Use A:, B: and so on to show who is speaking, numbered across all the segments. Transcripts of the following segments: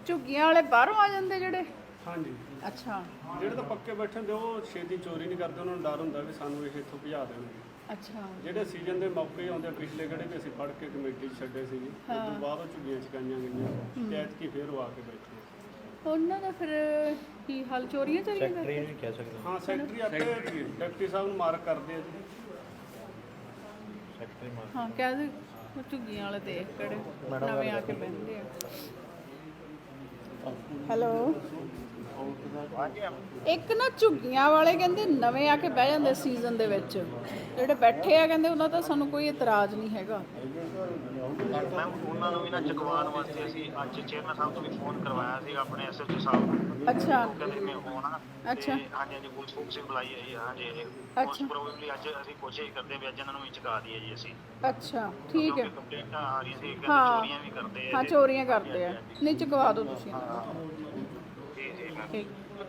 A: ਝੁੱਗੀਆਂ ਵਾਲੇ ਬਾਹਰੋਂ ਆ ਜਾਂਦੇ ਜਿਹੜੇ?
B: ਹਾਂਜੀ,
A: ਅੱਛਾ
B: ਜਿਹੜੇ ਤਾਂ ਪੱਕੇ ਬੈਠੇ ਹੁੰਦੇ ਉਹ ਛੇਤੀ ਚੋਰੀ ਨਹੀਂ ਕਰਦੇ, ਉਹਨਾਂ ਨੂੰ ਡਰ ਹੁੰਦਾ ਵੀ ਸਾਨੂੰ ਇਹ ਇੱਥੋਂ ਭਜਾ ਦੇਣਗੇ।
A: ਅੱਛਾ
B: ਜਿਹੜੇ ਸੀਜ਼ਨ ਦੇ ਮੌਕੇ ਆਉਂਦੇ ਪਿਛਲੇ ਕਿਹੜੇ ਵੀ ਅਸੀਂ ਫੜ ਕੇ ਕਮੇਟੀ 'ਚ ਛੱਡੇ ਸੀ, ਉਸ ਤੋਂ ਬਾਅਦ ਉਹ ਝੁੱਗੀਆਂ ਚਕਾਈਆਂ ਗਈਆਂ ਤੇ ਐਤਕੀ ਫੇਰ ਉਹ ਆ ਕੇ ਬੈਠੇ।
A: ਉਹਨਾਂ ਦਾ ਫਿਰ ਕੀ ਹਾਲ, ਚੋਰੀਆਂ ਚਾਰੀਆਂ ਕਰਦੇ?
C: ਵੀ ਕਹਿ ਸਕਦੇ
B: ਹਾਂ, ਸੈਕਟਰੀ ਆਪੇ ਡਿਪਟੀ ਸਾਹਿਬ ਨੂੰ ਮਾਰਕ ਕਰਦੇ ਆ ਜੀ।
C: ਸੈਕਟਰੀ ਮਾਰ
A: ਹਾਂ ਕਹਿ ਦੇ ਝੁੱਗੀਆਂ ਵਾਲੇ ਦੇਖ ਕਿਹੜੇ ਨਵੇਂ ਆ ਕੇ ਬਹਿੰਦੇ ਆ। ਹੈਲੋ, ਇੱਕ ਨਾ ਝੁੱਗੀਆਂ ਵਾਲੇ ਕਹਿੰਦੇ ਨਵੇਂ ਆ ਕੇ ਬਹਿ ਜਾਂਦੇ ਸੀਜ਼ਨ ਦੇ ਵਿੱਚ, ਜਿਹੜੇ ਬੈਠੇ ਆ ਕਹਿੰਦੇ ਉਹਨਾਂ ਦਾ ਸਾਨੂੰ ਕੋਈ ਇਤਰਾਜ਼ ਨਹੀਂ ਹੈਗਾ।
D: ਮੈਮ ਉਹਨਾਂ ਨੂੰ ਵੀ ਨਾ ਚੁਕਵਾਉਣ ਵਾਸਤੇ ਅਸੀਂ ਅੱਜ ਚੇਅਰਮੈਨ ਸਾਹਿਬ ਤੋਂ ਵੀ ਫੋਨ ਕਰਵਾਇਆ ਸੀ ਆਪਣੇ ਐਸਐਚਓ ਸਾਹਿਬ ਨੂੰ।
A: ਅੱਛਾ
D: ਕਹਿੰਦੇ ਮੈਂ ਹੋਣਾ।
A: ਅੱਛਾ
D: ਹਾਂਜੀ ਹਾਂਜੀ, ਪੁਲਿਸ ਫੋਕਸ ਬੁਲਾਈ ਹੈ ਜੀ। ਹਾਂਜੀ ਮੋਸਟ ਪ੍ਰੋਬੇਬਲੀ ਅੱਜ ਅਸੀਂ ਕੋਸ਼ਿਸ਼ ਕਰਦੇ ਵੀ ਅੱਜ ਇਹਨਾਂ ਨੂੰ ਵੀ ਚੁਕਾ ਦਈਏ ਜੀ ਅਸੀਂ।
A: ਅੱਛਾ ਠੀਕ ਹੈ।
D: ਕੰਪਲੇਂਟਾਂ ਆ ਰਹੀਆਂ ਸੀ ਕਿ
A: ਹਾਂ
D: ਚੋਰੀਆਂ ਵੀ ਕਰਦੇ ਆ।
A: ਹਾਂ ਚੋਰੀਆਂ ਕਰਦੇ ਆ, ਨਹੀਂ ਚੁਕਵਾ ਦਿਓ ਤੁਸੀਂ।
D: ਜੀ ਜੀ ਮੈਮ।
A: ਠੀਕ,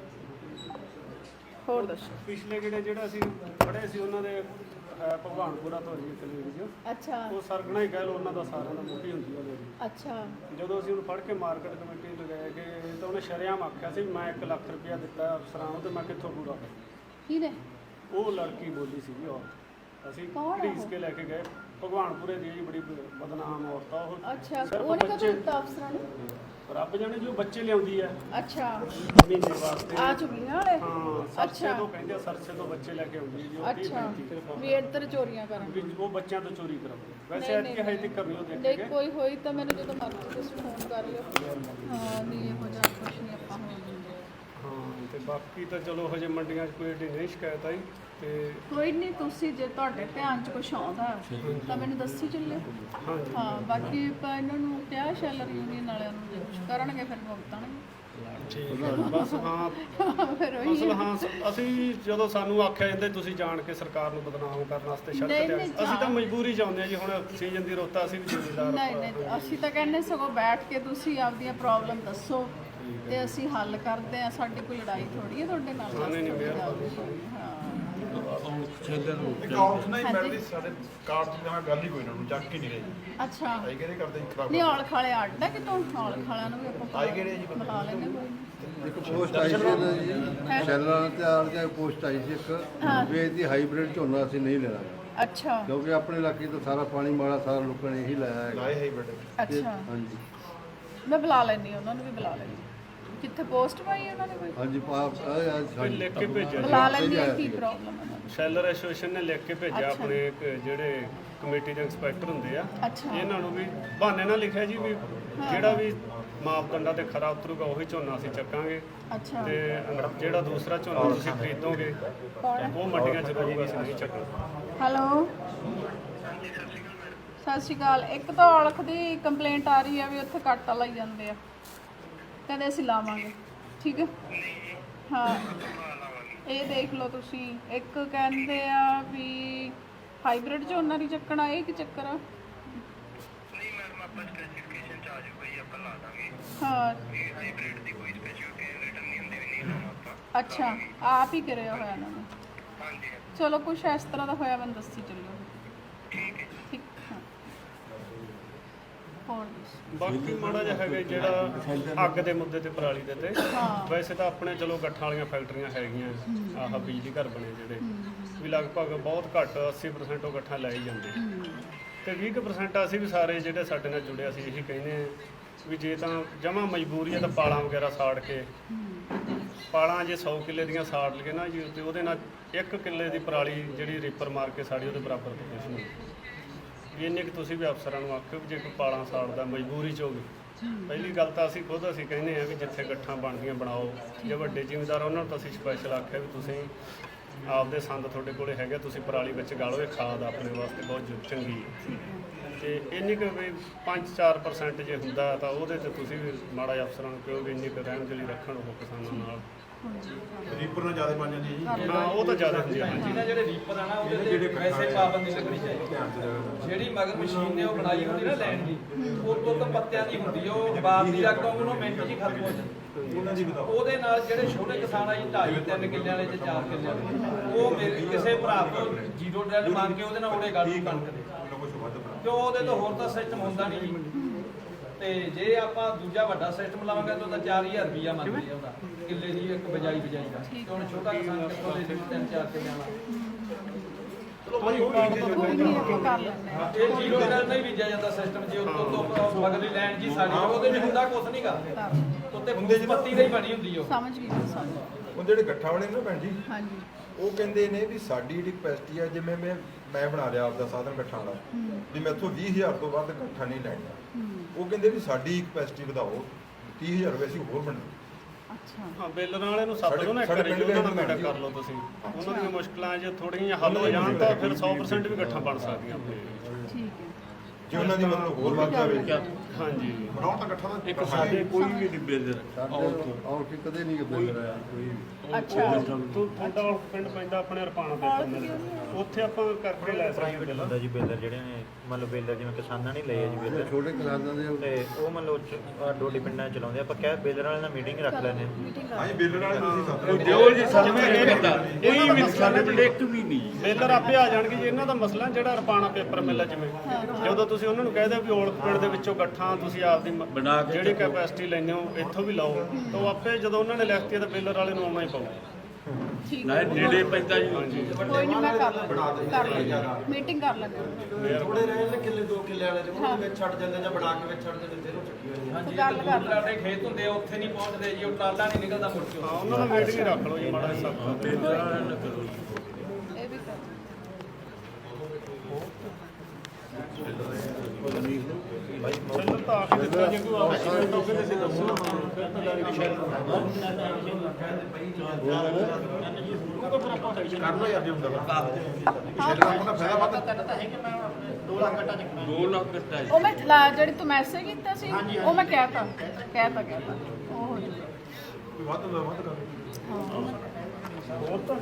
A: ਹੋਰ ਦੱਸੋ।
B: ਪਿਛਲੇ ਜਿਹੜਾ ਅਸੀਂ ਫੜੇ ਸੀ ਉਹਨਾਂ ਦੇ ਭਗਵਾਨਪੁਰਾ ਤੋਂ ਜੀ ਕਲੀਨ ਜੀ,
A: ਅੱਛਾ
B: ਉਹ ਸਰਗਣਾ ਹੀ ਕਹਿ ਲਓ, ਉਹਨਾਂ ਦਾ ਸਾਰਿਆਂ ਦਾ ਮੁਖੀ ਹੁੰਦੀ ਹੈ ਜੀ।
A: ਅੱਛਾ
B: ਜਦੋਂ ਅਸੀਂ ਉਹਨੂੰ ਫੜ ਕੇ ਮਾਰਕੀਟ ਕਮੇਟੀ ਲਗਾਇਆ ਕਿ ਤਾਂ ਉਹਨੇ ਸ਼ਰੇਆਮ ਆਖਿਆ ਸੀ ਮੈਂ 1 ਲੱਖ ਰੁਪਇਆ ਦਿੱਤਾ ਅਫਸਰਾਂ ਨੂੰ ਤੇ ਮੈਂ ਕਿੱਥੋਂ ਪੂਰਾ ਕਰਾਂ।
A: ਕੀ ਨੇ?
B: ਉਹ ਲੜਕੀ ਬੋਲੀ ਸੀਗੀ ਔਰਤ, ਅਸੀਂ
A: ਕੌਣ ਆ
B: ਘੜੀਸ ਕੇ ਲੈ ਕੇ ਗਏ। ਭਗਵਾਨਪੁਰੇ ਦੀ ਜੀ ਬੜੀ ਬਦਨਾਮ ਔਰਤ ਆ ਉਹ।
A: ਅੱਛਾ
B: ਸਿਰਫ
A: ਉਹਨੇ ਕਦੋਂ
B: ਬੱਚੇ-
A: ਦਿੱਤਾ ਅਫਸਰਾਂ ਨੂੰ?
B: ਰੱਬ ਜਾਣੇ ਜੋ ਬੱਚੇ ਲਿਆਉਂਦੀ ਆ
A: ਅੱਛਾ
B: ਮਹੀਨੇ ਵਾਸਤੇ।
A: ਆ ਝੁੱਗੀਆਂ ਵਾਲੇ?
B: ਹਾਂ, ਸਰਸੇ
A: ਅੱਛਾ।
B: ਤੋਂ ਕਹਿੰਦੇ ਆ, ਸਰਸੇ ਤੋਂ ਬੱਚੇ ਲੈ ਕੇ ਆਉਂਦੀ ਜੀ ਉਹ 30
A: ਅੱਛਾ
B: 35
A: ਵੀ ਇੱਧਰ ਚੋਰੀਆਂ ਕਰਨ।
B: ਵੀ ਉਹ ਬੱਚਿਆਂ ਤੋਂ ਚੋਰੀ ਕਰਾਉਂਦੇ। ਵੈਸੇ
A: ਨਹੀਂ,
B: ਐਤਕੀ ਹਜੇ ਤੱਕ ਨਹੀਂ ਉਹ ਦੇਖੇ
A: ਨਹੀਂ
B: ਗਏ।
A: ਕੋਈ ਹੋਈ ਤਾਂ ਮੈਨੂੰ ਜਦੋਂ ਮਰਜ਼ੀ ਤੁਸੀਂ ਫੋਨ ਕਰ ਲਿਓ। ਹਾਂ ਨਹੀਂ ਇਹੋ ਜਿਹਾ ਕੁਛ ਨਹੀਂ ਆਪਾਂ ਹੋਣ ਦਿੰਦੇ।
B: ਹਾਂ, ਤੇ ਬਾਕੀ ਤਾਂ ਚਲੋ ਹਜੇ ਮੰਡੀਆਂ 'ਚ ਕੋਈ ਏਡੀ ਨਹੀਂ ਸ਼ਿਕਾਇਤ ਆਈ ਤੇ
A: ਕੋਈ ਨਹੀਂ, ਤੁਸੀਂ ਜੇ ਤੁਹਾਡੇ ਧਿਆਨ 'ਚ ਕੁਛ ਆਉਂਦਾ ਤਾਂ ਮੈਨੂੰ ਦੱਸੀ ਚੱਲਿਓ।
B: ਹਾਂਜੀ
A: ਹਾਂ ਬਾਕੀ ਆਪਾਂ ਇਹਨਾਂ ਨੂੰ ਕਿਹਾ ਸ਼ੈਲਰ ਯੂਨੀਅਨ ਵਾਲਿਆਂ ਨੂੰ ਜੇ ਕੁਛ ਕਰਨਗੇ ਫਿਰ ਭੁਗਤਣਗੇ।
B: ਠੀਕ ਹੈ। ਬਸ ਹਾਂ,
A: ਫਿਰ ਉਹੀ
B: ਅਸਲ ਹਾਂ ਅਸੀਂ ਜਦੋਂ ਸਾਨੂੰ ਆਖਿਆ ਜਾਂਦਾ ਤੁਸੀਂ ਜਾਣ ਕੇ ਸਰਕਾਰ ਨੂੰ ਬਦਨਾਮ ਕਰਨ ਵਾਸਤੇ ਸੜਕ
A: ਨਹੀਂ,
B: ਤੇ ਆਏ।
A: ਨਹੀਂ,
B: ਅਸੀਂ ਤਾਂ ਮਜਬੂਰੀ 'ਚ ਆਉਂਦੇ ਹਾਂ ਜੀ, ਹੁਣ ਸੀਜ਼ਨ ਦੀ ਰੁੱਤ ਆ, ਅਸੀਂ ਵੀ ਜ਼ਿੰਮੇਦਾਰ
A: ਨਹੀਂ ਨਹੀਂ ਅਸੀਂ ਤਾਂ ਕਹਿੰਦੇ ਸਗੋਂ ਬੈਠ ਕੇ ਤੁਸੀਂ ਆਪਦੀਆਂ ਪ੍ਰੋਬਲਮ ਦੱਸੋ ਤੇ ਅਸੀਂ ਹੱਲ ਕਰਦੇ ਆ। ਸਾਡੀ ਕੋਈ ਲੜਾਈ ਥੋੜੀ ਹੈ ਤੁਹਾਡੇ ਨਾਲ।
B: ਨਹੀਂ, ਨਹੀਂ,
A: ਮਿਹਰਬਾਨੀ।
E: ਅਕਾਊਂਟਸ ਨਹੀਂ ਮਿਲਦੀ ਸਾਡੇ ਕਾਰਡ ਦੀ ਤਾਂ ਗੱਲ ਹੀ ਕੋਈ ਨਾ ਨੂੰ ਚੱਕ ਹੀ ਨਹੀਂ ਰਹੀ।
A: ਅੱਛਾ
E: ਆਈ ਕਿਹੜੇ ਕਰਦੇ ਜੀ ਖਰਾਬ
A: ਨਹੀਂ ਔਲਖ ਵਾਲੇ ਅੱਡ ਆ ਕਿਤੋਂ? ਔਲਖ ਵਾਲਿਆਂ ਨੂੰ ਵੀ ਆਪਾਂ
E: ਆਈ ਕਿਹੜੇ ਜੀ
A: ਬੁਲਾ ਲੈਂਦੇ ਕੋਈ ਨੀ।
F: ਇੱਕ ਪੋਸਟ ਆਈ ਸੀ ਨਾ ਜੀ, ਸ਼ੈਲਰਾਂ ਤੇ ਆਲ ਜਾਂ ਪੋਸਟ ਆਈ ਸੀ ਇੱਕ ਵੀ ਇਹਦੀ ਹਾਈਬ੍ਰਿਡ ਝੋਨਾ ਅਸੀਂ ਨਹੀਂ ਲੈਣਾ,
A: ਅੱਛਾ
F: ਕਿਉਂਕਿ ਆਪਣੇ ਇਲਾਕੇ ਤੋਂ ਸਾਰਾ ਪਾਣੀ ਮਾਲਾ ਸਾਰਾ ਲੋਕਾਂ ਨੇ ਇਹੀ ਲਾਇਆ ਹੈਗਾ।
E: ਲਾਏ ਹੈ ਬੇਟੇ।
A: ਅੱਛਾ
F: ਹਾਂਜੀ
A: ਮੈਂ ਬੁਲਾ ਲੈਂਦੀ ਉਹਨਾਂ ਨੂੰ ਵੀ ਬੁਲਾ ਲੈਂਦੀ। ਕਿੱਥੇ ਪੋਸਟ ਪਾਈ ਉਹਨਾਂ ਨੇ ਕੋਈ?
F: ਹਾਂਜੀ
B: ਕੋਈ ਲਿਖ ਕੇ ਭੇਜਿਆ ਜੀ।
A: ਬੁਲਾ ਲੈਂਦੀ ਆ, ਕੀ ਪ੍ਰੋਬਲਮ ਹੈ?
B: ਸ਼ੈਲਰ ਐਸੋਸੀਏਸ਼ਨ ਨੇ ਲਿਖ ਕੇ ਭੇਜਿਆ ਆਪਣੇ ਜਿਹੜੇ ਕਮੇਟੀ ਦੇ ਇੰਸਪੈਕਟਰ ਹੁੰਦੇ ਆ,
A: ਅੱਛਾ
B: ਇਹਨਾਂ ਨੂੰ ਵੀ ਬਹਾਨੇ ਨਾਲ ਲਿਖਿਆ ਜੀ ਵੀ ਜਿਹੜਾ ਵੀ ਮਾਪਦੰਡਾਂ ਤੇ ਖਰਾ ਉਤਰੂਗਾ ਉਹੀ ਝੋਨਾ ਅਸੀਂ ਚੱਕਾਂਗੇ
A: ਅੱਛਾ
B: ਤੇ ਜਿਹੜਾ ਦੂਸਰਾ ਝੋਨਾ ਤੁਸੀਂ ਖਰੀਦੋਗੇ ਉਹ ਮੰਡੀਆਂ 'ਚ ਰਹੂਗਾ, ਅਸੀਂ ਨਹੀਂ ਚੱਕਣਾ।
A: ਹੈਲੋ ਸਤਿ ਸ਼੍ਰੀ ਅਕਾਲ। ਇੱਕ ਤਾਂ ਔਲਖ ਦੀ ਕੰਪਲੇਂਟ ਆ ਰਹੀ ਹੈ ਵੀ ਉੱਥੇ ਕੱਟ ਲਾਈ ਜਾਂਦੇ ਆ, ਕਹਿੰਦੇ ਅਸੀਂ ਲਾਵਾਂਗੇ। ਠੀਕ ਹੈ ਹਾਂ ਇਹ ਦੇਖ ਲਓ ਤੁਸੀਂ। ਇੱਕ ਕਹਿੰਦੇ ਆ ਵੀ ਹਾਈਬ੍ਰਿਡ ਝੋਨਾ ਨਹੀਂ ਚੱਕਣਾ, ਇਹ ਕੀ ਚੱਕਰ ਆ?
D: ਨਹੀਂ ਮੈਡਮ ਆਪਾਂ ਸਪੈਸੀਫਿਕੇਸ਼ਨ ਚ ਆ ਜਾਊਗਾ ਜੀ, ਆਪਾਂ ਲਾ ਦਾਂਗੇ।
A: ਹਾਂ
D: ਇਹ ਹਾਈਬ੍ਰਿਡ ਦੀ ਕੋਈ ਸਪੈਸੀਫਿਕੇਸ਼ਨ ਰਿਟਰਨ ਨਹੀਂ ਹੁੰਦੀ ਵੀ ਨਹੀਂ ਲਾਉਣਾ ਆਪਾਂ।
A: ਅੱਛਾ ਆਪ ਹੀ ਕਰਿਆ ਹੋਇਆ ਇਹਨਾਂ ਨੇ।
D: ਹਾਂਜੀ
A: ਚਲੋ ਕੁਛ ਇਸ ਤਰ੍ਹਾਂ ਦਾ ਹੋਇਆ ਮੈਨੂੰ ਦੱਸੀ ਚੱਲਿਓ।
D: ਠੀਕ ਹੈ।
A: ਠੀਕ ਹਾਂ ਹੋਰ ਦੱਸੋ।
B: ਬਾਕੀ ਮਾੜਾ ਜਿਹਾ ਹੈਗਾ ਜਿਹੜਾ ਅੱਗ ਦੇ ਮੁੱਦੇ ਤੇ ਪਰਾਲੀ ਦੇ ਤੇ
A: ਹਾਂ
B: ਵੈਸੇ ਤਾਂ ਆਪਣੇ ਚਲੋ ਗੱਠਾਂ ਵਾਲੀਆਂ ਫੈਕਟਰੀਆਂ ਹੈਗੀਆਂ, ਆਹ ਬਿਜਲੀ ਘਰ ਬਣੇ ਜਿਹੜੇ ਵੀ ਲਗਭਗ ਬਹੁਤ ਘੱਟ 80% ਉਹ ਗੱਠਾਂ ਲੈ ਹੀ ਜਾਂਦੇ ਤੇ 20% ਅਸੀਂ ਵੀ ਸਾਰੇ ਜਿਹੜੇ ਸਾਡੇ ਨਾਲ ਜੁੜੇ ਅਸੀਂ ਇਹੀ ਕਹਿੰਦੇ ਆ ਵੀ ਜੇ ਤਾਂ ਜਮਾ ਮਜਬੂਰੀ ਹੈ ਤਾਂ ਪਾਲਾਂ ਵਗੈਰਾ ਸਾੜ ਕੇ, ਪਾਲਾਂ ਜੇ 100 ਕਿੱਲੇ ਦੀਆਂ ਸਾੜ ਲਈਏ ਨਾ ਜੀ ਤੇ ਉਹਦੇ ਨਾਲ 1 ਕਿੱਲੇ ਦੀ ਪਰਾਲੀ ਜਿਹੜੀ ਰੀਪਰ ਮਾਰ ਕੇ ਸਾੜੀ ਉਹਦੇ ਬਰਾਬਰ ਤਾਂ ਕੁਛ ਨਹੀਂ। ਵੀ ਇੰਨੇ ਕਿ ਤੁਸੀਂ ਵੀ ਅਫਸਰਾਂ ਨੂੰ ਆਖਿਓ ਵੀ ਜੇ ਕੋਈ ਪਾਲਾਂ ਸਾੜਦਾ ਮਜਬੂਰੀ 'ਚ ਹੋਵੇ, ਪਹਿਲੀ ਗੱਲ ਤਾਂ ਅਸੀਂ ਖੁਦ ਅਸੀਂ ਕਹਿੰਦੇ ਆ ਵੀ ਜਿੱਥੇ ਗੱਠਾਂ ਬਣਦੀਆਂ ਬਣਾਓ। ਜੇ ਵੱਡੇ ਜ਼ਿਮੀਂਦਾਰ ਉਹਨਾਂ ਨੂੰ ਤਾਂ ਅਸੀਂ ਸਪੈਸ਼ਲ ਆਖਿਆ ਵੀ ਤੁਸੀਂ ਆਪਦੇ ਸੰਦ ਤੁਹਾਡੇ ਕੋਲੇ ਹੈਗੇ, ਤੁਸੀਂ ਪਰਾਲੀ ਵਿੱਚ ਗਾਲੋ, ਇਹ ਖਾਦ ਆਪਣੇ ਵਾਸਤੇ ਬਹੁਤ ਚੰਗੀ ਹੈ। ਤੇ ਇੰਨੀ ਕੁ ਵੀ 5-4% ਜੇ ਹੁੰਦਾ ਤਾਂ ਉਹਦੇ 'ਤੇ ਤੁਸੀਂ ਵੀ ਮਾੜਾ ਜਿਹਾ ਅਫਸਰਾਂ ਨੂੰ ਕਹੋ ਵੀ ਇੰਨੀ ਕੁ ਰਹਿਣ ਲਈ ਰੱਖਣ ਉਹ ਕਿਸਾਨਾਂ ਨਾਲ।
E: ਰੀਪਰ ਨਾਲ ਜ਼ਿਆਦਾ ਬਣ ਜਾਂਦੀ ਹੈ ਜੀ।
B: ਹਾਂ ਉਹ ਤਾਂ ਜ਼ਿਆਦਾ ਹੁੰਦੀ ਹੈ। ਹਾਂਜੀ
G: ਜਿਹੜੇ ਰੀਪਰ ਆ ਨਾ ਉਹਦੇ ਤੇ ਵੈਸੇ ਪਾਬੰਦੀ ਲੱਗਣੀ ਚਾਹੀਦੀ। ਜਿਹੜੀ ਮਗਰ ਮਸ਼ੀਨ ਨੇ ਉਹ ਬਣਾਈ ਹੁੰਦੀ ਨਾ ਲੈਣ ਦੀ, ਉਹ ਤਾਂ ਪੱਤਿਆਂ ਦੀ ਹੁੰਦੀ, ਉਹ ਬਾਰ ਦੀ ਅੱਗ ਉਹਨੂੰ ਮਿੰਟ 'ਚ ਹੀ ਖਤਮ ਹੋ ਜਾਂਦੀ।
E: ਉਹਨਾਂ ਦੀ ਬਤਾਓ।
G: ਉਹਦੇ ਨਾਲ ਜਿਹੜੇ ਛੋਟੇ ਕਿਸਾਨ ਆ ਜੀ 2.5-3 ਕਿੱਲਿਆਂ ਵਾਲੇ ਤੇ 4 ਕਿੱਲਿਆਂ ਵਾਲੇ, ਉਹ ਮੇਰੇ ਕਿਸੇ ਭਰਾ ਤੋਂ ਜ਼ੀਰੋ ਡਰੈਲ ਮੰਗ ਕੇ ਉਹਦੇ ਨਾਲ ਉਹਦੇ ਗਾਲੂ ਕਣਕ ਦੇ,
E: ਕੁਝ ਵੱਧ ਬਣਾ।
G: ਕਿਉਂ ਉਹਦੇ ਤੋਂ ਹੋਰ ਤਾਂ ਸਿਸਟਮ ਹੁੰਦਾ ਨਹੀਂ ਜੀ। ਤੇ ਜੇ ਆਪਾਂ ਦੂਜਾ ਵੱਡਾ ਸਿਸਟਮ ਲਾਵਾਂਗੇ ਤਾਂ ਉਹਦਾ 4000 ਰੁਪਈਆ ਮੰਗਦੇ ਆ ਉਹਦਾ ਕਿੱਲੇ ਦੀ ਇੱਕ ਬਜਾਈ ਦਾ ਤੇ ਹੁਣ ਛੋਟਾ ਕਿਸਾਨ ਕਿੱਥੋਂ ਦੇ ਦੇ 3-4 ਕਿੱਲਿਆਂ ਵਾਲਾ
A: ਕੋਈ ਨਹੀਂ ਆਪਾਂ ਕਰ ਲੈਂਦੇ ਹਾਂ।
G: ਇਹ ਜ਼ੀਰੋ ਨਾਲ ਨਹੀਂ ਬੀਜਿਆ ਜਾਂਦਾ ਸਿਸਟਮ ਜੇ ਉੱਤੋਂ ਤੋਂ ਮਗਲੀ ਲੈਣ ਜੀ ਸਾਡੀ ਉਹਦੇ ਵਿੱਚ ਹੁੰਦਾ ਕੁਛ ਨਹੀਂਗਾ ਉੱਤੇ ਹੁੰਦੇ ਜੀ ਪੱਤੀ ਦੀ ਬਣੀ ਹੁੰਦੀ ਉਹ
A: ਸਮਝ ਗਈ ਮੈਂ, ਸਮਝ ਗਈ।
E: ਉਹ ਜਿਹੜੇ ਗੱਠਾ ਵਾਲੇ ਨੇ ਨਾ ਭੈਣ ਜੀ,
A: ਹਾਂਜੀ
E: ਉਹ ਕਹਿੰਦੇ ਨੇ ਵੀ ਸਾਡੀ ਜਿਹੜੀ ਕਪੈਸਿਟੀ ਆ, ਜਿਵੇਂ ਮੈਂ ਬਣਾ ਲਿਆ ਆਪਦਾ ਸਾਧਨ ਗੱਠਾਂ ਵਾਲਾ, ਵੀ ਮੈਥੋਂ 20000 ਤੋਂ ਵੱਧ ਗੱਠਾ ਨਹੀਂ ਲੈਣਾ। ਉਹ ਕਹਿੰਦੇ ਵੀ ਸਾਡੀ ਕਪੈਸਿਟੀ ਵਧਾਓ, 30000 ਰੁਪਏ ਅਸੀਂ ਹੋਰ ਬਣਾ।
A: ਅੱਛਾ
B: ਹਾਂ ਬੇਲਰ ਵਾਲੇ ਨੂੰ ਸੱਦ ਲਓ ਨਾ ਇੱਕ ਵਾਰੀ, ਉਹਨਾਂ ਨਾਲ ਮੀਟਿੰਗ ਕਰ ਲਓ ਤੁਸੀਂ। ਉਹਨਾਂ ਦੀਆਂ ਮੁਸ਼ਕਲਾਂ ਜੇ ਥੋੜੀਆਂ ਜਿਹੀਆਂ ਹੱਲ ਹੋ ਜਾਣ ਤਾਂ ਫਿਰ 100% ਵੀ ਇਕੱਠਾ ਬਣ ਸਕਦੀਆਂ ਆਪਣੇ।
A: ਠੀਕ ਹੈ।
E: ਜੇ ਉਹਨਾਂ ਦੀ ਮਤਲਬ ਹੋਰ ਵੱਧ ਜਾਵੇ।
B: ਹਾਂਜੀ
E: ਬਣਾਉਣ ਤਾਂ ਗੱਠਾ ਦਾ
C: ਇੱਕ ਸਾਡੇ ਕੋਈ ਵੀ ਨਹੀਂ ਬੇਲਰ
F: ਸਾਡੇ ਆਉਟ ਕਦੇ ਨਹੀਂ ਬੇਲਰ ਆਇਆ ਕੋਈ ਵੀ।
A: ਅੱਛਾ
B: ਤੁਹਾਡਾ ਪਿੰਡ ਪੈਂਦਾ ਆਪਣੇ ਰਪਾਣਾ ਦੇ ਉੱਥੇ ਆਪਾਂ ਕਰਕੇ ਲੈ ਸਕਦੇ ਹਾਂ
D: ਹੁੰਦਾ ਜੀ ਬੇਲਰ ਜਿਹੜੇ ਨੇ ਮਤਲਬ ਬੇਲਰ ਜਿਵੇਂ ਕਿਸਾਨਾਂ ਨੇ ਲਏ ਆ ਜੀ ਬੇਲਰ
F: ਛੋਟੇ ਕਿਸਾਨਾਂ ਦੇ
D: ਤੇ ਉਹ ਮਤਲਬ ਡੋਡੀ ਪਿੰਡਾਂ 'ਚ ਚਲਾਉਂਦੇ ਆਪਾਂ ਕਹਿ ਬੇਲਰ ਵਾਲੇ ਨਾਲ ਮੀਟਿੰਗ ਰੱਖ ਲੈਂਦੇ ਹਾਂ
A: ਮੀਟਿੰਗ ਕਰ
E: ਹਾਂਜੀ ਬੇਲਰ ਵਾਲੇ ਤੁਸੀਂ ਸੱਦ
C: ਜੋ ਜੀ ਸਾਨੂੰ ਕੋਈ ਵੀ ਸਾਡੇ ਪਿੰਡ ਇੱਕ ਵੀ ਨਹੀਂ
B: ਬੇਲਰ ਆਪੇ ਆ ਜਾਣਗੇ ਜੀ। ਇਹਨਾਂ ਦਾ ਮਸਲਾ ਜਿਹੜਾ ਰਪਾਣਾ ਪੇਪਰ ਮਿਲ ਆ ਜਿਵੇਂ, ਜਦੋਂ ਤੁਸੀਂ ਉਹਨਾਂ ਨੂੰ ਕਹਿ ਦਿਓ ਵੀ ਔਲਖ ਪਿੰਡ ਦੇ ਵਿੱਚੋਂ ਗੱਠਾਂ ਤੁਸੀਂ ਆਪਦੀ
C: ਬਣਾ ਕੇ
B: ਜਿਹੜੀ ਕੈਪੈਸਿਟੀ ਲੈਂਦੇ ਹੋ ਇੱਥੋਂ ਵੀ ਲਾਓ, ਤਾਂ ਉਹ ਆਪੇ ਜਦੋਂ ਉਹਨਾਂ ਨੇ ਲਿਖਤੀ ਤਾਂ ਬੇਲਰ ਵਾਲੇ ਨੂੰ ਆਉਣਾ ਹੀ ਪਊ।
A: ਠੀਕ
C: ਨਾ
A: ਹੈ।
C: ਨੇੜੇ ਪੈਂਦਾ ਜੀ।
A: ਕੋਈ ਨਹੀਂ ਮੈਂ ਕਰ ਲੈਂਦੀ ਮੀਟਿੰਗ ਕਰ ਲੈਂਦੇ
H: ਥੋੜੇ ਰਹੇ ਨੇ ਕਿੱਲੇ 2 ਕਿੱਲੇ ਵਾਲੇ ਜਿਹਨੂੰ ਵਿੱਚ ਛੱਡ ਜਾਂਦੇ ਜਾਂ ਬਣਾ ਕੇ ਵਿੱਚ ਛੱਡ ਜਾਂਦੇ ਫਿਰ ਉਹ ਚੱਕੀ ਹੋਈ
G: ਹਾਂਜੀ
A: ਗੱਲ ਕਰ ਲਓ।
G: ਸਾਡੇ ਖੇਤ ਹੁੰਦੇ ਆ ਉੱਥੇ ਨਹੀਂ ਪਹੁੰਚਦੇ ਜੀ ਉਹ ਟਰਾਲਾ ਨਹੀਂ ਨਿਕਲਦਾ ਮੁੜ ਕੇ
B: ਹਾਂ ਉਹਨਾਂ ਨੂੰ ਮੀਟਿੰਗ ਰੱਖ ਲਓ ਜੀ ਮਾੜਾ ਜਿਹਾ ਸਭ
A: ਇਹ ਵੀ ਕਰ
B: ਚੱਲੋ ਤਾਂ ਆਖਿਰ ਦਿੱਤਾ ਜੇ ਕੋਈ ਆਫਿਸ ਤੋਂ ਕਹਿੰਦੇ ਸੀ ਦੱਸੋ
E: ਕਰਨਾ ਯਾਰ ਜੇ ਹੁੰਦਾ ਵਾ।
C: ਦੋ ਲੱਖ ਕੱਟਾ ਜੀ।
A: ਉਹ ਮੈਂ ਜਿਹੜੀ ਤੂੰ ਮੈਸੇਜ ਕੀਤਾ ਸੀ ਉਹ ਮੈਂ ਕਹਿਤਾ ਉਹ ਹੋ ਜਾਊਗਾ।
E: ਵੱਧ ਦਾ ਵੱਧ ਕਰ।
B: ਹੋਰ ਤਾਂ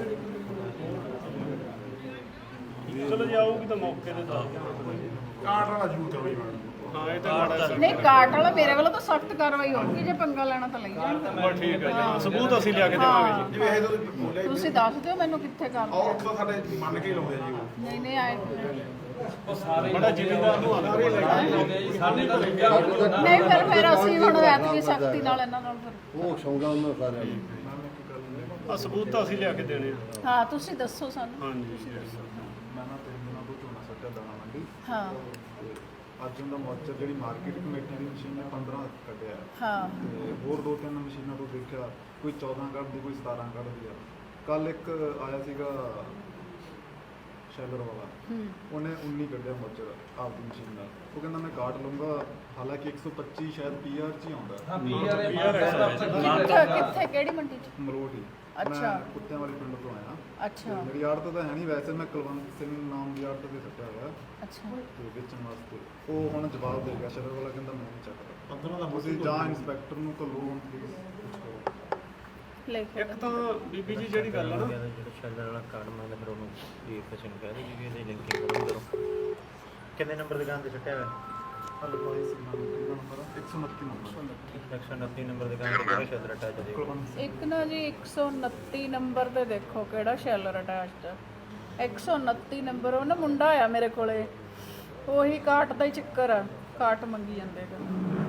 B: ਚਲੋ ਜੇ ਆਊਗੀ ਤਾਂ ਮੌਕੇ ਤੇ ਦੱਸ ਦਿਓ।
E: ਕਾਟ ਵਾਲਾ ਜ਼ਰੂਰ ਕਰੋ ਜੀ ਮੈਡਮ।
B: ਹਾਂ ਇਹ ਤਾਂ ਮਾੜਾ ਜਿਹਾ
A: ਨਹੀਂ ਕਾਟ ਵਾਲਾ ਮੇਰੇ ਵੱਲੋਂ ਤਾਂ ਸਖਤ ਕਾਰਵਾਈ ਹੋਊਗੀ ਜੇ ਪੰਗਾ ਲੈਣਾ ਤਾਂ ਲਈ ਜਾਣ
B: ਬਸ ਠੀਕ ਹੈ ਜੀ, ਸਬੂਤ ਅਸੀਂ ਲਿਆ ਕੇ ਦੇਵਾਂਗੇ ਜੀ।
E: ਜਿਵੇਂ ਇਹ ਤੁਸੀਂ ਬੋਲਿਆ ਜੀ,
A: ਤੁਸੀਂ ਦੱਸ ਦਿਓ ਮੈਨੂੰ ਕਿੱਥੇ ਕਰਨਾ
E: ਔਰ ਤਾਂ ਸਾਡੇ ਮੰਨ ਕੇ ਹੀ ਲਾਉਂਦੇ ਆ ਜੀ ਉਹ।
A: ਨਹੀਂ ਨਹੀਂ ਆਏ
G: ਉਹ ਸਾਰੇ
B: ਬੜਾ ਜ਼ਿਮੀਂਦਾਰ ਨੂੰ ਆਉਂਦਾ ਵੀ
G: ਲਾਉਂਦੇ ਆ ਜੀ ਸਾਡੇ ਤਾਂ ਲੱਗਿਆ ਹੋਣਾ
A: ਨਹੀਂ ਫਿਰ ਅਸੀਂ ਹੁਣ ਐਤਕੀ ਸਖਤੀ ਨਾਲ ਇਹਨਾਂ ਨਾਲ ਫਿਰ
F: ਉਹ ਸੌਂਦਾ ਉਹਨਾਂ ਸਾਰਿਆਂ ਨੂੰ।
B: ਆ ਸਬੂਤ ਤਾਂ ਅਸੀਂ ਲਿਆ ਕੇ ਦੇਣੇ ਆ।
A: ਹਾਂ ਤੁਸੀਂ ਦੱਸੋ ਸਾਨੂੰ
B: ਹਾਂਜੀ
I: ਮੈਂ ਨਾ 3 ਦਿਨਾਂ ਤੋਂ ਝੋਨਾ ਸੱਟਿਆ ਦਾਣਾ ਮੰਡੀ
A: ਹਾਂ
I: ਤੇ ਅੱਜ ਉਹਦਾ ਮੋਰਚਾ ਜਿਹੜੀ ਮਾਰਕੀਟ ਕਮੇਟੀ ਦੀ ਮਸ਼ੀਨ ਨੇ 15 ਕੱਢਿਆ
A: ਹਾਂ
I: ਤੇ ਹੋਰ 2-3 ਮਸ਼ੀਨਾਂ ਤੋਂ ਦੇਖਿਆ ਕੋਈ 14 ਕੱਢਦੀ ਕੋਈ 17 ਕੱਢਦੀ ਆ। ਕੱਲ ਇੱਕ ਆਇਆ ਸੀਗਾ ਸ਼ੈਲਰ ਵਾਲਾ, ਉਹਨੇ 19 ਕੱਢਿਆ ਮੋਰਚਾ ਆਪਦੀ ਮਸ਼ੀਨ ਨਾਲ। ਉਹ ਕਹਿੰਦਾ ਮੈਂ ਕਾਟ ਲੂੰਗਾ, ਹਾਲਾਂਕਿ 125 ਸ਼ਾਇਦ ਪੀਆਰ 'ਚ ਹੀ ਆਉਂਦਾ
G: ਹਾਂ ਪੀਆਰ
A: ਕਿੱਥੇ ਕਿਹੜੀ ਮੰਡੀ ਚ
I: ਮਲੋਟ ਹੀ।
A: ਅੱਛਾ।
I: ਮੈਂ ਕੁੱਤਿਆਂ ਵਾਲੇ ਪਿੰਡ ਤੋਂ ਆਇਆ
A: ਅੱਛਾ
I: ਮੇਰੀ ਆੜਤ ਤਾਂ ਹੈ ਨਹੀਂ, ਵੈਸੇ ਮੈਂ ਕੁਲਵੰਤ ਸਿੰਘ ਨਾਮ ਦੀ ਆੜਤ ਤੇ ਸੱਟਿਆ ਹੋਇਆ
A: ਅੱਛਾ
I: ਤੇ ਵੇਚਣ ਵਾਸਤੇ। ਉਹ ਹੁਣ ਜਵਾਬ ਦੇ ਗਿਆ ਸ਼ਰਰ ਵਾਲਾ, ਕਹਿੰਦਾ ਮੈਂ ਨਹੀਂ ਚੱਕਦਾ। 15 ਦਾ ਤੁਸੀਂ ਜਾਂ ਇੰਸਪੈਕਟਰ ਨੂੰ ਘੱਲੋ ਹੁਣ ਪਲੀਜ਼।
A: ਲਿਖ
B: ਇੱਕ ਤਾਂ ਬੀਬੀ ਜੀ ਜਿਹੜੀ ਗੱਲ ਹੈ ਨਾ,
D: ਜਿਹੜਾ ਸ਼ੈਲਰ ਵਾਲਾ ਕਾਰਡ ਮੰਗਦਾ ਫਿਰ ਉਹਨੂੰ ਜੀ ਕਿਸੇ ਨੂੰ ਕਹਿ ਦੇ ਜੀ ਵੀ ਇਹਦੀ ਲਿੰਕਿੰਗ ਕਰੋ। ਕਿੰਨੇ ਨੰਬਰ ਦੁਕਾਨ ਤੇ ਛੱਟਿਆ ਹੋਇਆ?
I: ਹਲੋ ਕੋਈ ਸੀ ਨੰਬਰ 129 ਨੰਬਰ
D: 129 ਨੰਬਰ ਦੁਕਾਨ ਤੇ ਕਿਹੜਾ ਸ਼ੈਲਰ ਅਟੈਚ ਹੈ?
I: ਕੁਲਵੰਤ
A: ਇੱਕ ਨਾ ਜੀ 129 ਨੰਬਰ ਤੇ ਦੇਖੋ ਕਿਹੜਾ ਸ਼ੈਲਰ ਅਟੈਚਡ ਹੈ। 129 ਨੰਬਰ ਉਹ ਨਾ ਮੁੰਡਾ ਆਇਆ ਮੇਰੇ ਕੋਲੇ, ਉਹੀ ਕਾਟ ਦਾ ਹੀ ਚੱਕਰ ਆ, ਕਾਟ ਮੰਗੀ ਜਾਂਦੇ ਹੈਗੇ।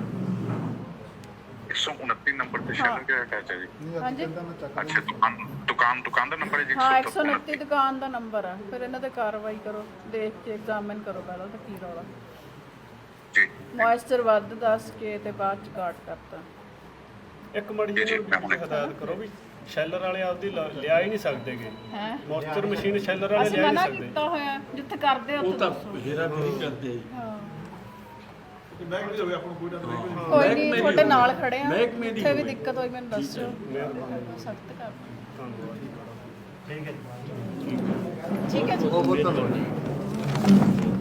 J: 129 ਨੰਬਰ ਤੇ ਸ਼ੈਲਰ ਕਿਹੜਾ ਅਟੈਚ ਹੈ ਜੀ?
I: ਨਹੀਂ ਅੱਜ
A: ਹਾਂਜੀ।
I: ਕਹਿੰਦਾ ਮੈਂ ਚੱਕ
J: ਅੱਛਾ ਦੁਕਾਨ ਦਾ ਨੰਬਰ ਹੈ ਜੀ?
A: ਹਾਂ 129 ਦੁਕਾਨ ਦਾ ਨੰਬਰ ਆ। ਫਿਰ ਇਹਨਾਂ ਤੇ ਕਾਰਵਾਈ ਕਰੋ, ਦੇਖ ਕੇ ਐਗਜ਼ਾਮਿਨ ਕਰੋ ਪਹਿਲਾਂ ਤਾਂ ਕੀ ਰੌਲਾ।
J: ਜੀ
A: ਮੋਇਸਚਰ ਵੱਧ ਦੱਸ ਕੇ ਤੇ ਬਾਅਦ ਚ ਕਾਟ ਕਰਤਾ।
B: ਇੱਕ ਮੜੀ ਜਿਹੀ ਹਦਾਇਤ ਕਰੋ ਵੀ ਸ਼ੈਲਰ ਵਾਲੇ ਆਪਦੀ ਲਿਆ ਹੀ ਨਹੀਂ ਸਕਦੇਗੇ।
A: ਹੈ
B: ਮੋਇਸਚਰ ਮਸ਼ੀਨ ਸ਼ੈਲਰ ਵਾਲੇ
A: ਅਸੀਂ
B: ਲਿਆ ਹੀ
A: ਮਨਾ
B: ਨਹੀਂ ਸਕਦੇ।
A: ਕੀਤਾ ਹੋਇਆ ਜਿੱਥੇ ਕਰਦੇ
C: ਉਹ
A: ਉੱਥੇ
C: ਤਾਂ
A: ਦੱਸੋ।
C: ਹੇਰਾ ਫੇਰੀ ਕਰਦੇ ਜੀ।
A: ਹਾਂ
E: ਬੈਗ ਵੀ ਹੋਵੇ ਆਪਾਂ ਨੂੰ ਕੋਈ ਡਰ ਨਹੀਂ।
A: ਕੋਈ ਨਹੀਂ ਤੁਹਾਡੇ ਨਾਲ ਖੜੇ ਆ,
C: ਮਹਿਕਮੇ ਦੀ
A: ਜਿੱਥੇ ਵੀ
C: ਹੋਵੇ।
A: ਦਿੱਕਤ ਹੋਈ ਮੈਨੂੰ ਦੱਸਿਓ, ਸਖਤ ਕਰਨਾ।
B: ਧੰਨਵਾਦ।
D: ਠੀਕ ਹੈ ਜੀ।
A: ਠੀਕ ਹੈ ਜੀ।
F: ਬਹੁਤ ਬਹੁਤ ਧੰਨਵਾਦ।